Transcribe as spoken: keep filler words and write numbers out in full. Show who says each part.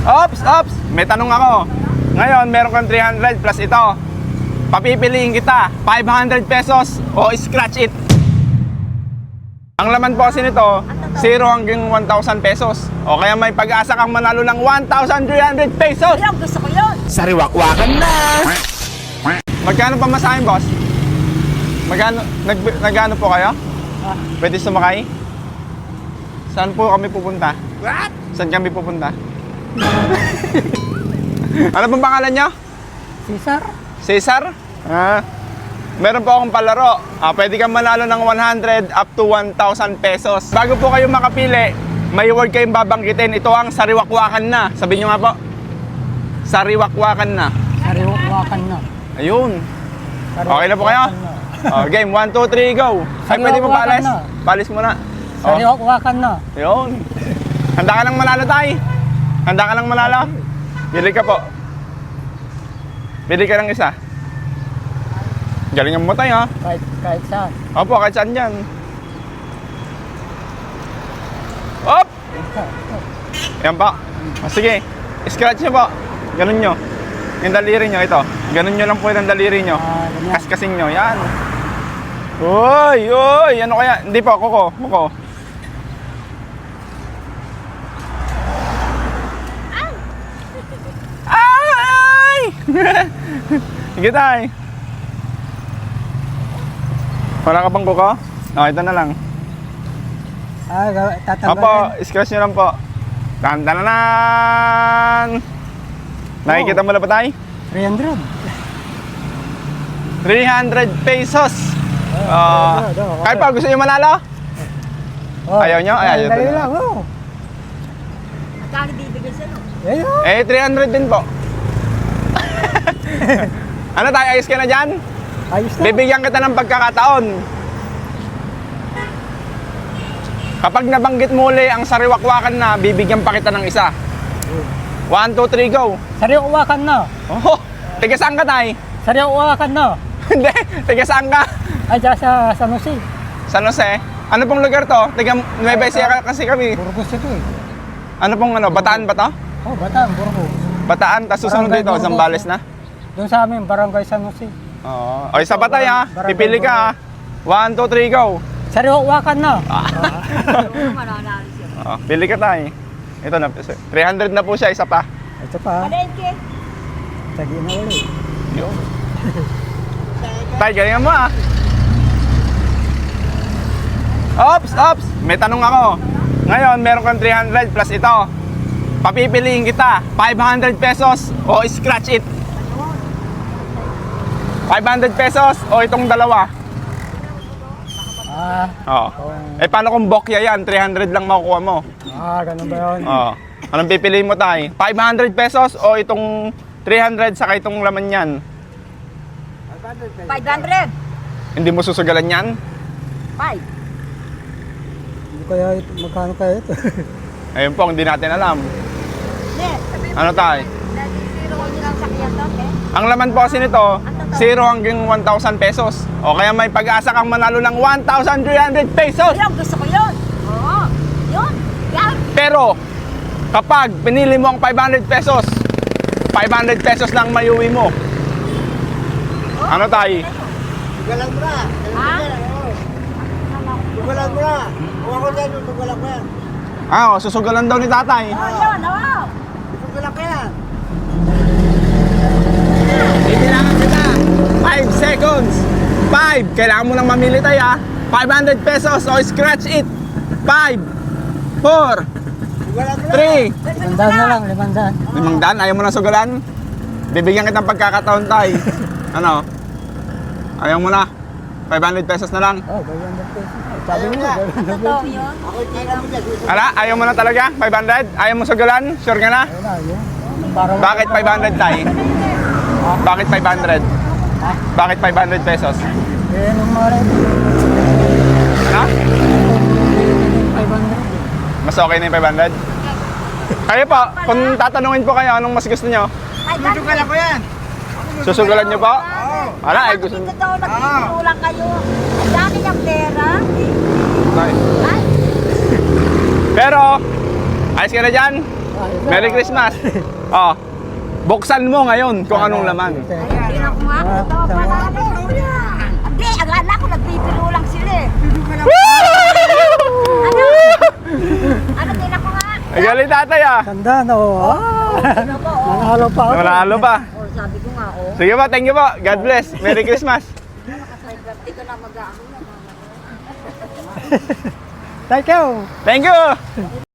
Speaker 1: Ops, ops! May tanong ako. Ngayon, meron kang three hundred plus ito. Papipiliin kita, five hundred pesos o scratch it. Ang laman po kasi nito, zero hanggang one thousand pesos. O kaya may pag-asa kang manalo ng one thousand three hundred pesos.
Speaker 2: Ayun, gusto ko yun.
Speaker 3: Sariwakwakan na!
Speaker 1: Magkano pa masahin, boss? Magkano, nag, nagano po kayo?
Speaker 2: Ah.
Speaker 1: Pwede sumakay? Saan po kami pupunta?
Speaker 3: What?
Speaker 1: Saan kami pupunta? Ano pong pangalan nyo?
Speaker 2: Cesar?
Speaker 1: Cesar? Ah, meron po akong palaro. Ah, pwede kang manalo ng one hundred up to one thousand pesos. Bago po kayo makapili, may word kayong babanggitin. Ito ang sariwakwakan na. Sabihin nyo nga po. Sariwakwakan na.
Speaker 2: Sariwakan na.
Speaker 1: Ayun. Okay na po kayo? Oh, game, one, two, three, go. Ay, pwede mo
Speaker 2: Sariwakwakan
Speaker 1: paalis?
Speaker 2: na.
Speaker 1: Paalis muna. Oh,
Speaker 2: Sariwakan na.
Speaker 1: yun. Handa ka lang manalo, tay? Handa ka lang manalo? Bili ka po. Bili ka ng isa. Galingan mo, tay, ha?
Speaker 2: Kahit, kahit saan.
Speaker 1: Opo, kahit saan dyan. Op! Yan po. O, sige. Scratch nyo po. Ganun nyo. Yung daliri nyo, ito. Ganun nyo lang po yung daliri nyo.
Speaker 2: Ah, ganyan.
Speaker 1: Kaskasing nyo. Yan. Uy! Uy! Ano kaya? Hindi po. Kuko. Kuko. Ay! Sige, tay. Wala ka bang kuko? O, ito na lang.
Speaker 2: Ah, gawa-
Speaker 1: Opo,
Speaker 2: tatanggalin.
Speaker 1: scratch nyo lang po. Tantananan! Nakikita mo na ba tayo?
Speaker 2: three hundred.
Speaker 1: three hundred pesos!
Speaker 2: Oh,
Speaker 1: Ah,
Speaker 2: three hundred, oh,
Speaker 1: kahit pa, gusto nyo manalo?
Speaker 2: Oh,
Speaker 1: Ayaw nyo? Ay, ayaw
Speaker 2: dali
Speaker 1: nyo.
Speaker 2: lang, oh.
Speaker 4: Magkano bibigay sa'yo?
Speaker 2: Ayun.
Speaker 1: Eh, three hundred din po. Ano tayo, ayos ka na dyan?
Speaker 2: Ayos na.
Speaker 1: Bibigyan kita ng pagkakataon. Kapag nabanggit muli ang sariwakwakan na, bibigyan pa kita ng isa. One, two, three, go!
Speaker 2: Sariwakan na.
Speaker 1: Oh, tiga saan ka, tay?
Speaker 2: Sariwakan na.
Speaker 1: Hindi, tiga saan ka?
Speaker 2: Ay, dyan sa San Jose.
Speaker 1: San Jose? Ano pong lugar to? Tiga Nueva Ecija kasi kami.
Speaker 2: Burgos ito eh.
Speaker 1: Ano pong ano, Bataan ba to?
Speaker 2: Oh, Bataan, Burgos.
Speaker 1: Bataan, tapos susunod
Speaker 2: Barangay
Speaker 1: dito,
Speaker 2: Burgos.
Speaker 1: Zambales na?
Speaker 2: Doon sa amin, Barangay San Jose.
Speaker 1: Oo. O, isa pa tayo ha.
Speaker 2: Barangay
Speaker 1: Pipili ka ha. One, two, three, go.
Speaker 2: Sariwakan na.
Speaker 4: Oo, mananalo siya.
Speaker 1: Oo, pili ka tayo. Ito na, three hundred na po siya, isa pa.
Speaker 2: Ito pa.
Speaker 4: Palengke.
Speaker 2: Tagi na ulit.
Speaker 1: Yun. Tay, galingan mo ah. Ops, ops. May tanong ako. Ngayon, meron kang three hundred plus ito. Papipiliin kita, five hundred pesos o scratch it. five hundred pesos o itong dalawa.
Speaker 2: Ah,
Speaker 1: Oo. Eh, paano kung bokya yan? three hundred lang makukuha mo.
Speaker 2: ah, ganun ba yun?
Speaker 1: Oo. Anong pipiliin mo tayo? five hundred pesos o itong three hundred saka itong laman yan?
Speaker 4: five hundred.
Speaker 1: Hindi mo susugalan yan?
Speaker 4: five.
Speaker 2: Hindi kaya ito, magkano kaya ito?
Speaker 1: Ayun po, hindi natin alam.
Speaker 4: Hindi.
Speaker 1: Ano tayo?
Speaker 4: Zero ko nilang sakyan to, eh.
Speaker 1: Ang laman po kasi nito, zero hanggang one thousand pesos. O kaya may pag-asa kang manalo ng one thousand three hundred pesos.
Speaker 4: Ayun, gusto ko yun. Oo. Yun. Yan.
Speaker 1: Pero, kapag pinili mo ang five hundred pesos, five hundred pesos lang mayuwi mo. Ano tayo?
Speaker 3: Tugalan mo na.
Speaker 4: Ha?
Speaker 3: Tugalan mo na. Kung ako dyan, tugalan mo yan.
Speaker 1: Ah, o, susugalan daw ni tatay.
Speaker 4: Oo, yun. Oo.
Speaker 3: Tugalan ko yan.
Speaker 1: Kailangan kita. five seconds. five. Kailangan mo nang mamili tayo ha. five hundred pesos o scratch it. five, four,
Speaker 3: Tugalan mo na.
Speaker 1: three.
Speaker 2: Limandaan na lang, limandaan.
Speaker 1: Limang daan, ayaw mo na sugalan? Bibigyan kitang pagkakataon tayo. Ano? Ayaw mo na? five hundred pesos na lang?
Speaker 2: Oh, ganyan na po. Sabi mo, ganyan na po.
Speaker 4: Totoo yun.
Speaker 3: Ako tira mo dyan.
Speaker 1: Ala, ayaw mo na talaga? five hundred? Ayaw mo sugalan? Sure ka na?
Speaker 2: Ayun na, yun. Para
Speaker 1: Bakit five hundred tayo? Bakit five hundred? Bakit five hundred pesos?
Speaker 2: Eh, nung mga rin,
Speaker 1: Ano?
Speaker 2: five hundred.
Speaker 1: Mas okay na yung five hundred? Kayo po, kung tatanungin po kayo, anong mas gusto nyo?
Speaker 4: five hundred.
Speaker 3: Tugalan ko yan.
Speaker 1: Susugalan nyo po?
Speaker 3: Oo.
Speaker 1: Ala, ay gusto
Speaker 4: Bakit totoo nagtutulong kayo? Ang dami niyang pera.
Speaker 1: Ay.
Speaker 4: Ay,
Speaker 1: Pero, ayos ka na dyan? Merry Christmas. Oh. Buksan mo ngayon kung anong laman.
Speaker 4: Ay, tinan ko nga.
Speaker 2: Ah,
Speaker 4: Ito,
Speaker 2: tama.
Speaker 4: panalo. Hindi, akala ko nagpipilo lang sila eh. Ano? Ano, tinan ko nga.
Speaker 1: Ay, galing tatay ah.
Speaker 2: Ganda, no?
Speaker 4: Ano po, oh.
Speaker 2: Nanalo pa ako.
Speaker 1: Nanalo pa.
Speaker 4: Oh, sabi ko nga, oh.
Speaker 1: Sige po, thank you po. God bless. Merry Christmas.
Speaker 4: Hindi ko na mag-aako na.
Speaker 2: Thank you.
Speaker 1: Thank you.